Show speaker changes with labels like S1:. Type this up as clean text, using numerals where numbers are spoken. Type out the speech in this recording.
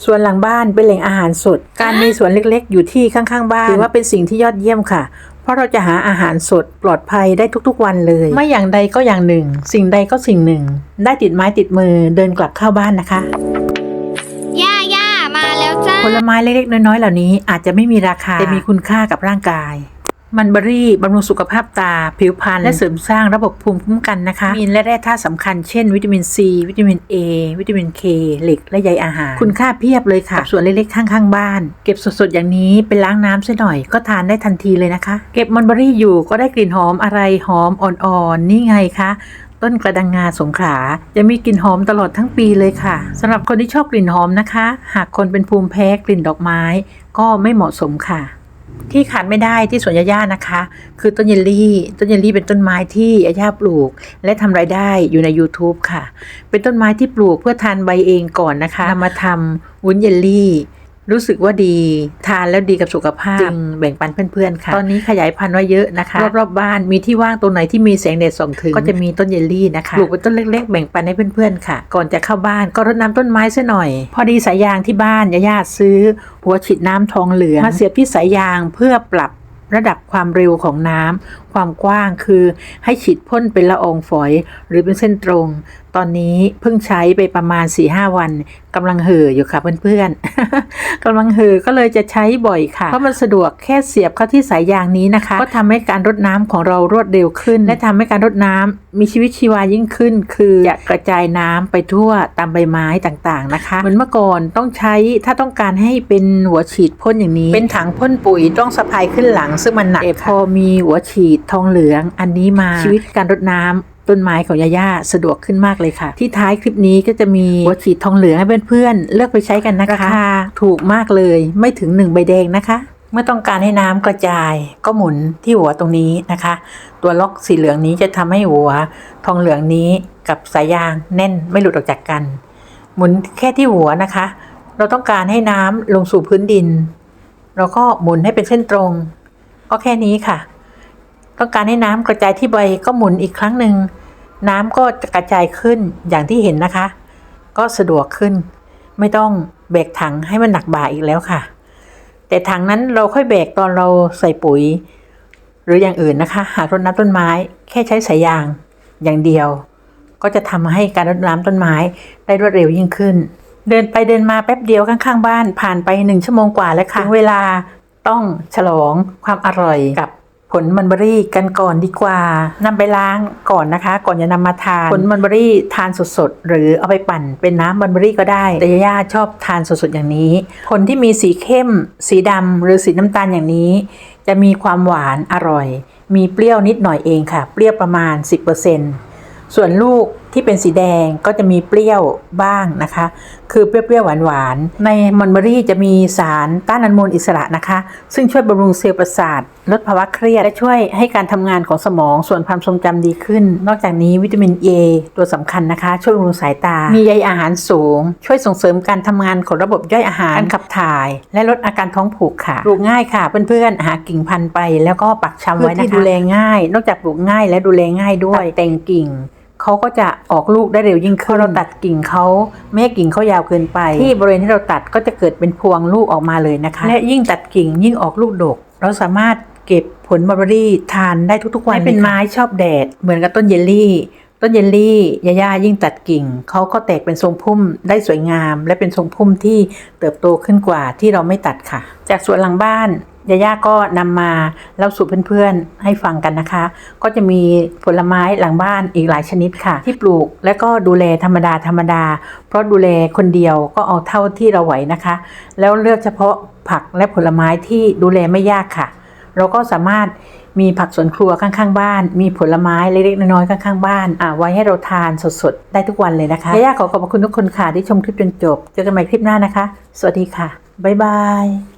S1: สวนหลังบ้านเป็นแหล่งอาหารสดการมีสวนเล็กๆอยู่ที่ข้างๆบ้านถือว่าเป็นสิ่งที่ยอดเยี่ยมค่ะเพราะเราจะหาอาหารสดปลอดภัยได้ทุกๆวันเลยไม่อย่างใดก็อย่างหนึ่งสิ่งใดก็สิ่งหนึ่งได้ติดไม้ติดมือเดินกลับเข้าบ้านนะคะ
S2: ย่ามาแล้วจ้า
S1: ผลไม้เล็กๆน้อยๆเหล่านี้อาจจะไม่มีราคาแต่มีคุณค่ากับร่างกายมันเบอรี่บำรุงสุขภาพตาผิวพรรณและเสริมสร้างระบบภูมิคุ้มกันนะคะมีและแร่ธาตุสำคัญเช่นวิตามินซีวิตามินเอวิตามินเคเหล็กและใยอาหารคุณค่าเพียบเลยค่ะส่วนเล็กๆข้างๆบ้านเก็บสดๆอย่างนี้ไปล้างน้ำซะหน่อยก็ทานได้ทันทีเลยนะคะเก็บมันเบอรี่อยู่ก็ได้กลิ่นหอมอะไรหอมอ่อนๆนี่ไงคะต้นกระดังงาสงขลาจะมีกลิ่นหอมตลอดทั้งปีเลยค่ะสำหรับคนที่ชอบกลิ่นหอมนะคะหากคนเป็นภูมิแพ้กลิ่นดอกไม้ก็ไม่เหมาะสมค่ะที่ขาดไม่ได้ที่สวนย่านะคะคือต้นเยลลี่เป็นต้นไม้ที่ย่าปลูกและทำรายได้อยู่ใน YouTube ค่ะเป็นต้นไม้ที่ปลูกเพื่อทานใบเองก่อนนะคะนำมาทำวุ้นเยลลี่รู้สึกว่าดีทานแล้วดีกับสุขภาพจึงแบ่งปันเพื่อนๆค่ะตอนนี้ขยายพันธุ์ไว้เยอะนะคะรอบๆบ้านมีที่ว่างตรงไหนที่มีแสงแดดส่องถึงก็จะมีต้นเยลลี่นะคะปลูกเป็นต้นเล็กๆแบ่งปันให้เพื่อนๆค่ะก่อนจะเข้าบ้านก็รดน้ำต้นไม้ซะหน่อยพอดีสายยางที่บ้านย่าซื้อหัวฉีดน้ำทองเหลืองมาเสียบที่สายยางเพื่อปรับระดับความเร็วของน้ำความกว้างคือให้ฉีดพ่นเป็นละอองฝอยหรือเป็นเส้นตรงตอนนี้เพิ่งใช้ไปประมาณ 4-5 วันกำลังเห่ออยู่ค่ะเพื่อนๆ กำลังเห่อก็เลยจะใช้บ่อยค่ะเพราะมันสะดวกแค่เสียบเข้าที่สายยางนี้นะคะก็ทำให้การรดน้ำของเรารวดเร็วขึ้นและทำให้การรดน้ำมีชีวิตชีวายิ่งขึ้นคือจะกระจายน้ำไปทั่วตามใบไม้ต่างๆนะคะเหมือนเมื่อก่อนต้องใช้ถ้าต้องการให้เป็นหัวฉีดพ่นอย่างนี้เป็นถังพ่นปุ๋ยต้องสะพายขึ้นหลังซึ่งมันหนักพอมีหัวฉีดทองเหลืองอันนี้มาชีวิตการรดน้ำต้นไม้ของย่าสะดวกขึ้นมากเลยค่ะที่ท้ายคลิปนี้ก็จะมีหัวฉีดทองเหลืองให้เพื่อนๆเลือกไปใช้กันนะคะราคาถูกมากเลยไม่ถึง1ใบแดงนะคะเมื่อต้องการให้น้ำกระจายก็หมุนที่หัวตรงนี้นะคะตัวล็อกสีเหลืองนี้จะทำให้หัวทองเหลืองนี้กับสายยางแน่นไม่หลุดออกจากกันหมุนแค่ที่หัวนะคะเราต้องการให้น้ำลงสู่พื้นดินเราก็หมุนให้เป็นเส้นตรงก็แค่นี้ค่ะต้องการให้น้ำกระจายที่ใบก็หมุนอีกครั้งหนึ่งน้ำก็จะกระจายขึ้นอย่างที่เห็นนะคะก็สะดวกขึ้นไม่ต้องแบกถังให้มันหนักบ่าอีกแล้วค่ะแต่ถังนั้นเราค่อยแบกตอนเราใส่ปุ๋ยหรืออย่างอื่นนะคะหากรดน้ำต้นไม้แค่ใช้สายยางอย่างเดียวก็จะทำให้การรดน้ำต้นไม้ได้รวดเร็วยิ่งขึ้นเดินไปเดินมาแป๊บเดียวข้างๆบ้านผ่านไป1 ชั่วโมงกว่าแล้วค่ะถึงเวลาต้องฉลองความอร่อยกับผลมันเบอรี่กันก่อนดีกว่านำไปล้างก่อนนะคะก่อนจะนำมาทานผลมันเบอรี่ทานสดๆหรือเอาไปปั่นเป็นน้ำมันเบอรี่ก็ได้แต่ย่าชอบทานสดๆอย่างนี้ผลที่มีสีเข้มสีดำหรือสีน้ำตาลอย่างนี้จะมีความหวานอร่อยมีเปรี้ยวนิดหน่อยเองค่ะเปรี้ยวประมาณ 10%ส่วนลูกที่เป็นสีแดงก็จะมีเปรี้ยวบ้างนะคะคือเปรี้ยวๆหวานๆในมันเบอรี่จะมีสารต้านอนุมูลอิสระนะคะซึ่งช่วยบำรุงเซลล์ประสาทลดภาวะเครียดและช่วยให้การทำงานของสมองส่วนความทรงจำดีขึ้นนอกจากนี้วิตามิน A ตัวสำคัญนะคะช่วยบำรุงสายตามีใยอาหารสูงช่วยส่งเสริมการทำงานของระบบย่อยอาหารการขับถ่ายและลดอาการท้องผูกค่ะปลูกง่ายค่ะเพื่อนๆหากิ่งพันธุ์ไปแล้วก็ปักชำไว้นะคะที่ดูแลง่ายนอกจากปลูกง่ายและดูแลง่ายด้วยแต่งกิ่งเขาก็จะออกลูกได้เร็วยิ่งขึ้นเราตัดกิ่งเขาไม่ให้กิ่งเขายาวเกินไปที่บริเวณที่เราตัดก็จะเกิดเป็นพวงลูกออกมาเลยนะคะและยิ่งตัดกิ่งยิ่งออกลูกดกเราสามารถเก็บผลมัลเบอรี่ทานได้ทุกๆวันเป็นไม้ชอบแดดเหมือนกับต้นเยลลี่ย่ายิ่งตัดกิ่งเขาก็แตกเป็นทรงพุ่มได้สวยงามและเป็นทรงพุ่มที่เติบโตขึ้นกว่าที่เราไม่ตัดค่ะจากสวนหลังบ้านย่าก็นำมาเล่าสู่เพื่อนๆให้ฟังกันนะคะก็จะมีผลไม้หลังบ้านอีกหลายชนิดค่ะที่ปลูกและก็ดูแลธรรมดาเพราะดูแลคนเดียวก็เอาเท่าที่เราไหวนะคะแล้วเลือกเฉพาะผักและผลไม้ที่ดูแลไม่ยากค่ะเราก็สามารถมีผักสวนครัวข้างๆบ้านมีผลไม้เล็กๆน้อยๆข้างๆบ้านไว้ให้เราทานสดๆได้ทุกวันเลยนะคะย่าขอขอบคุณทุกคนค่ะที่ชมคลิปจนจบเจอกันใหม่คลิปหน้านะคะสวัสดีค่ะบ๊ายบาย